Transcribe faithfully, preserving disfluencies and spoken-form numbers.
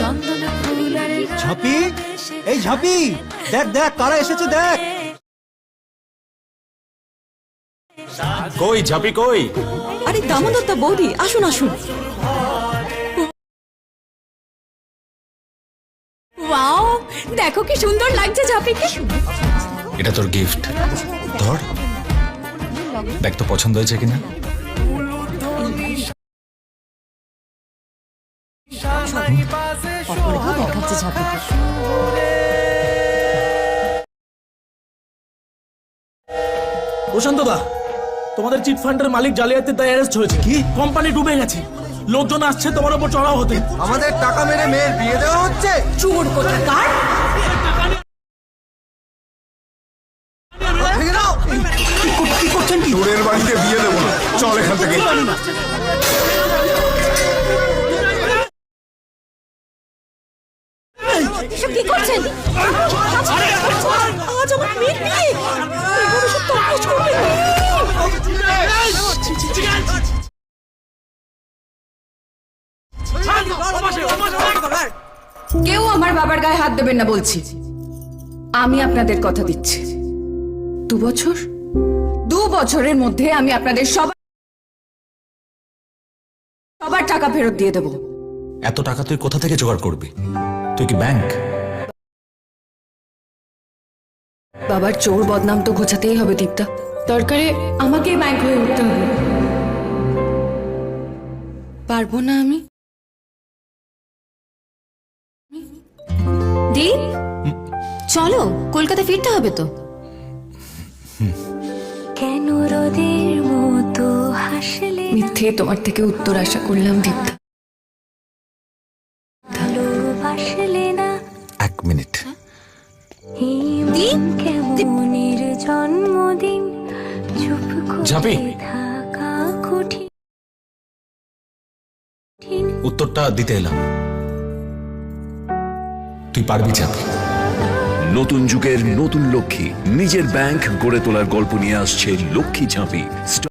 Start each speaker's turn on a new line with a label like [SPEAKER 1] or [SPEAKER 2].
[SPEAKER 1] ঝাঁপি, এই ঝাঁপি, দেখ দেখ কারা এসেছে দেখ।
[SPEAKER 2] কই ঝাঁপি কই?
[SPEAKER 3] আরে দামোদরদা বৌদি আসুন আসুন। ওয়াও, দেখো কি সুন্দর লাগছে ঝাঁপিকে।
[SPEAKER 2] এটা তোর গিফট, ধর দেখ তো পছন্দ হয়েছে কিনা।
[SPEAKER 3] দেখাচ্ছে ঝাঁপিকে।
[SPEAKER 4] প্রশান্ত দা, তোমাদের চিট ফান্ডের মালিক জালিয়াতির দায়ে অ্যারেস্ট হয়েছে। কি? কোম্পানি ডুবে গেছে, লোকজন আসছে তোমার উপর চড়াও হতে।
[SPEAKER 1] আমাদের টাকা মেরে মেয়ের বিয়ে দেওয়া হচ্ছে।
[SPEAKER 3] চোর কোথাকার।
[SPEAKER 1] কি করছেন?
[SPEAKER 5] চোরের বাড়িতে বিয়ে দেবো না, চল এখান থেকে।
[SPEAKER 3] এসব কি করছেন? আজ আমার মেয়ের বিয়ে, এভাবে সব তরকাজ করবেন না।
[SPEAKER 6] কেউ আমার বাবার গায়ে হাত দেবেন না বলছি। আমি আপনাদের কথা দিচ্ছি, দু বছর দু বছরের মধ্যে আমি আপনাদের সবার সবার টাকা ফেরত দিয়ে দেব।
[SPEAKER 2] এত টাকা তুই কোথা থেকে জোগাড় করবি? তুই কি ব্যাংক?
[SPEAKER 6] বাবার চোর বদনাম তো ঘোচাতেই হবে দীপ্তা, দরকারে আমাকে ব্যাংক হয়ে উঠতে হবে। পারবো না আমি।
[SPEAKER 3] দীপ, চলো কলকাতা ফিরতে হবে তো।
[SPEAKER 7] কেন রোদের মতো হাসলে
[SPEAKER 6] মিথ্যে তোমার থেকে উত্তর আশা করলাম দীপ্তা।
[SPEAKER 7] ভালোবাসলে না
[SPEAKER 2] এক মিনিট।
[SPEAKER 7] দীপ কেমনের জন্মদিন চুপ
[SPEAKER 2] ঝাঁপি।
[SPEAKER 7] করে থাকা কঠিন।
[SPEAKER 2] উত্তরটা দিতে এলাম, তুই পারবি ঝাঁপি।
[SPEAKER 8] নতুন যুগের নতুন লক্ষ্মী, নিজের ব্যাংক গড়ে তোলার গল্প নিয়ে আসছে লক্ষ্মী ঝাঁপি।